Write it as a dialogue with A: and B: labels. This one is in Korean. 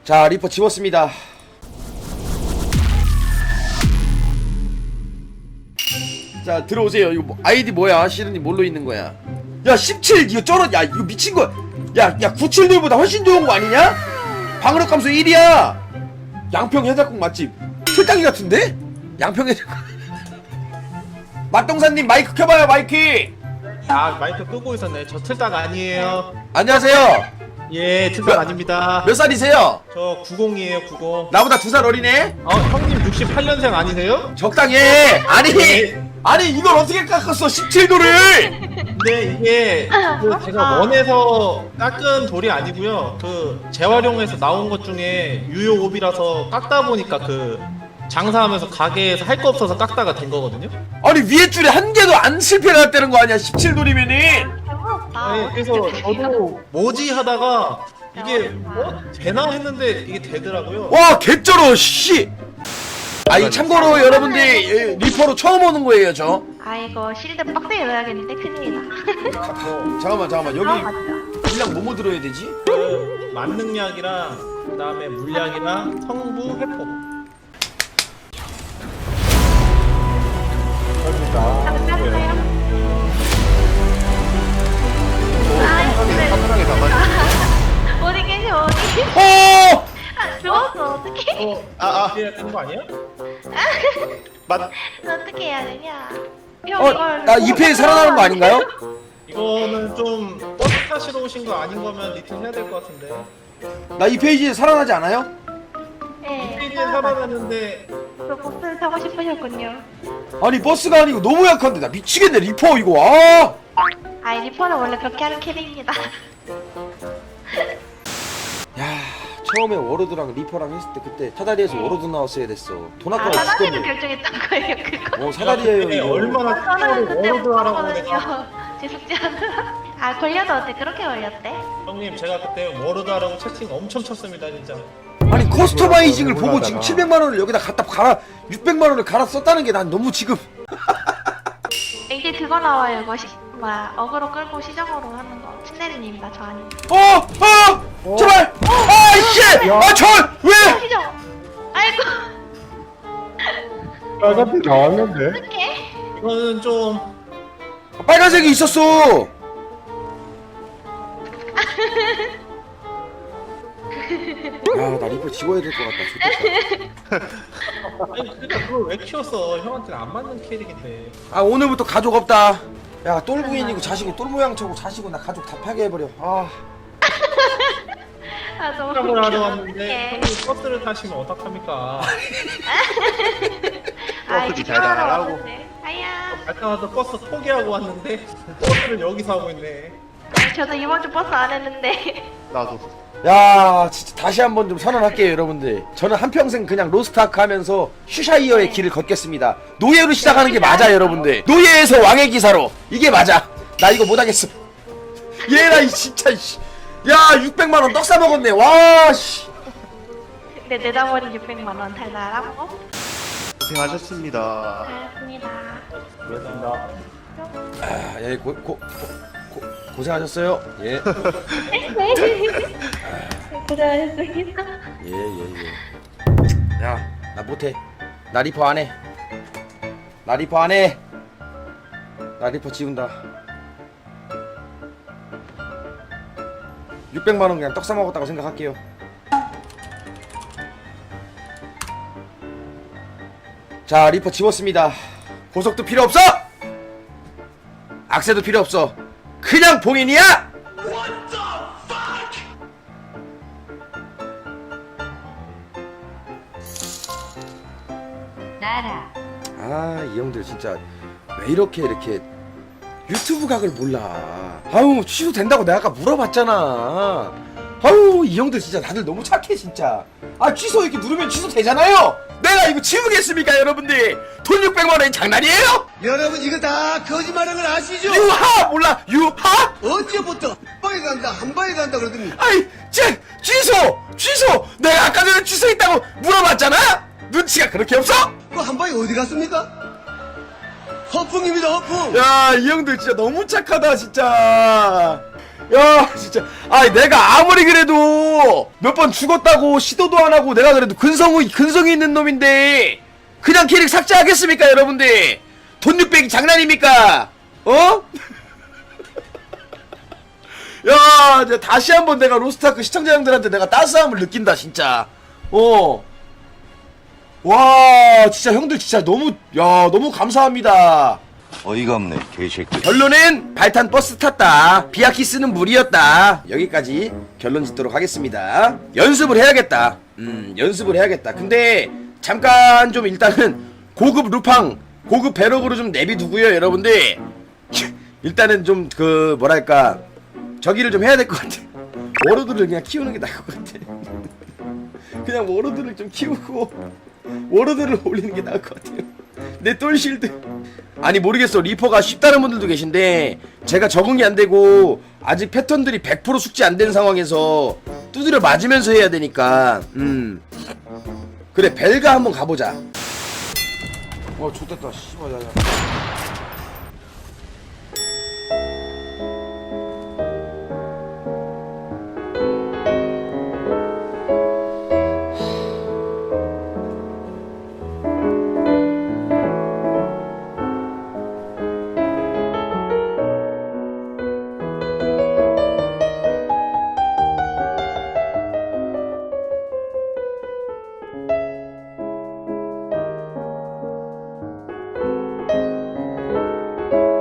A: 자, 리퍼 지웠습니다. 자, 들어오세요. 이거 뭐, 아이디 뭐야? 시르님 뭘로 있는 거야? 야, 17 이거 쩔어. 야, 이거 미친 거야. 야, 97돌보다 훨씬 좋은 거 아니냐? 방어력 감소 1이야. 양평 해장국 맛집. 틀딱이 같은데? 양평 해장국. 맛동산님 마이크 켜봐요, 마이크.
B: 아, 마이크 끄고 있었네. 저 틀딱 아니에요.
A: 안녕하세요.
B: 예, 틀딱 아닙니다.
A: 몇 살이세요?
B: 저 90이에요, 90.
A: 나보다 2살 어리네?
B: 형님 68년생 아니세요?
A: 적당히 해. 아니 이걸 어떻게 깎았어 17도를.
B: 근데 이게 제가 원에서 깎은 돌이 아니고요. 그 재활용해서 나온 것 중에 유효옵이라서 깎다 보니까 그 장사하면서 가게에서 할 거 없어서 깎다가 된 거거든요.
A: 아니 위에 줄에 한 개도 안 실패했다는 거 아니야 17돌이면은.
B: 네, 그래서 저도 뭐지 하다가 이게 되나 했는데 이게 되더라고요.
A: 와 개쩔어 씨. 아이 참고로 여러분들 리퍼로 처음 오는 거예요 저.
C: 아이고 실드 빡세게 넣어야겠는데 큰일이다.
A: 잠깐만 여기
C: 맞다.
A: 분량 뭐뭐 들어야 되지?
B: 그 만능약이랑 그다음에 물약이랑 성부 회복.
C: 감사합니다.
A: 카메라에 담아.
C: 어디 계셔 어디?
A: 어!
C: 아 죽었어 어떡해?
B: 이래야 되는 거 아니야?
C: 어떻게 해야 되냐? 형 이걸
A: 나 2패에 살아나는 거 아닌가요?
B: 이거는 좀 버스 타시러 오신 거 아닌 거면 리틀 해야 될 것 같은데.
A: 나 2페이지에 살아나지 않아요?
C: 네.
B: 페이지에 살아났는데
C: 그 버스를 타고 싶으셨군요.
A: 아니 버스가 아니고 너무 약한데 나 미치겠네 리퍼 이거. 아!
C: 아이 리퍼는 원래 그렇게 하는 캐릭입니다.
A: 야 처음에 워로드랑 리퍼랑 했을 때 그때 사다리에서 워로드 나왔어야 됐어. 돈
C: 아
A: 아까워
C: 사다리를
A: 죽겠네.
C: 결정했던 거예요 그거?
A: 사다리에요
B: 근데
A: 이거.
B: 얼마나
C: 저는 그때 못
B: 워로드 하라고 내가.
C: 봤거든요. 제 숙제 하느라. 아 걸려도 어때? 그렇게 걸렸대?
B: 형님 제가 그때 워로드 하라고 채팅 엄청 쳤습니다 진짜.
A: 아니 커스터마이징을 보고 지금 700만 원을 여기다 갖다 갈아 600만 원을 갈아 썼다는 게 난 너무 지금.
C: 이제 그거 나와요 이거 뭐야 어그로 끌고 시정으로 하는 거. 친내리님이다 저 아니.
A: 제발. 아이씨. 왜?
C: 시정. 아이고.
D: 빨간색 나왔는데?
C: 어떡해?
B: 이거는 좀
A: 빨간색이 있었어. 야, 나 리퍼 지워야 될 것 같다. 좋겠다.
B: 아니 그러니까 그걸 왜 키웠어? 형한테는 안 맞는 캐릭인데.
A: 아, 오늘부터 가족 없다. 야, 똘부인이고 자식이 똘 모양 쳐고 자식고 나 가족 다 파괴해버려. 아.
C: 아 너무
B: 시작을 하러
C: 웃겨.
B: 왔는데
C: 어떡해.
B: 형님 버스를 타시면 어떡합니까?
C: 아이
D: 버스도 잘 나가라고.
C: 아야.
B: 아까 와서 버스 포기하고 왔는데 버스를 여기서 하고 있네.
C: 저도 이번 주 버스 안 했는데.
D: 나도.
A: 야, 진짜 다시 한번 좀 선언할게요, 여러분들. 저는 한평생 그냥 로스트아크 하면서 슈샤이어의 길을 걷겠습니다. 노예로 시작하는 게 맞아, 여러분들. 노예에서 왕의 기사로. 이게 맞아. 나 이거 못하겠어. 얘라, 이 진짜, 씨. 야, 600만 원 떡 싸먹었네. 와, 씨.
C: 근데 내다버린 600만 원 달달하고.
D: 고생하셨습니다.
C: 알겠습니다.
B: 그렇습니다.
A: 아, 예, 고생하셨어요. 예.
C: 고생하셨습니다.
A: 예. 야, 나 못해. 나 리퍼 안 해. 나 리퍼 안 해. 나 리퍼 지운다. 600만 원 그냥 떡 사 먹었다고 생각할게요. 자, 리퍼 지웠습니다. 보석도 필요 없어. 악세도 필요 없어. 그냥 봉인이야.
C: 나라.
A: 아, 이 형들 진짜 왜 이렇게 유튜브 각을 몰라. 아우, 취소된다고 내가 아까 물어봤잖아. 아우, 이 형들 진짜 다들 너무 착해 진짜. 아, 취소 이렇게 누르면 취소되잖아요. 내가 이거 지우겠습니까 여러분들? 돈 600만 원이 장난이에요?
E: 여러분 이거 다 거짓말하는 걸 아시죠?
A: 유하 몰라 유하?
E: 언제부터 한 방에 간다 한 방에 간다 그러더니
A: 아이 취소 내가 아까 전에 취소했다고 물어봤잖아. 눈치가 그렇게 없어?
E: 그 한 방에 어디 갔습니까? 허풍입니다 허풍.
A: 야, 이 형들 진짜 너무 착하다 진짜. 야 진짜 아 내가 아무리 그래도 몇 번 죽었다고 시도도 안 하고 내가 그래도 근성이 있는 놈인데 그냥 캐릭 삭제하겠습니까 여러분들? 돈 600이 장난입니까? 어? 야 이제 다시 한번 내가 로스트아크 시청자 형들한테 내가 따스함을 느낀다 진짜. 와 진짜 형들 진짜 너무 감사합니다.
F: 어이가 없네 개새끼.
A: 결론은 발탄 버스 탔다. 비아키스는 무리였다. 여기까지 결론 짓도록 하겠습니다. 연습을 해야겠다. 연습을 해야겠다. 근데 잠깐 좀 일단은 고급 루팡, 고급 배럭으로 좀 내비두고요, 여러분들. 일단은 좀 그 뭐랄까 저기를 좀 해야 될 것 같아. 워로드를 그냥 키우는 게 나을 것 같아. 그냥 워로드를 좀 키우고 워로드를 올리는 게 나을 것 같아요. 내 똘실드. 아니 모르겠어. 리퍼가 쉽다는 분들도 계신데 제가 적응이 안 되고 아직 패턴들이 100% 숙지 안 된 상황에서 두드려 맞으면서 해야 되니까 그래 벨가 한번 가보자. 좋됐다 씨발 야야.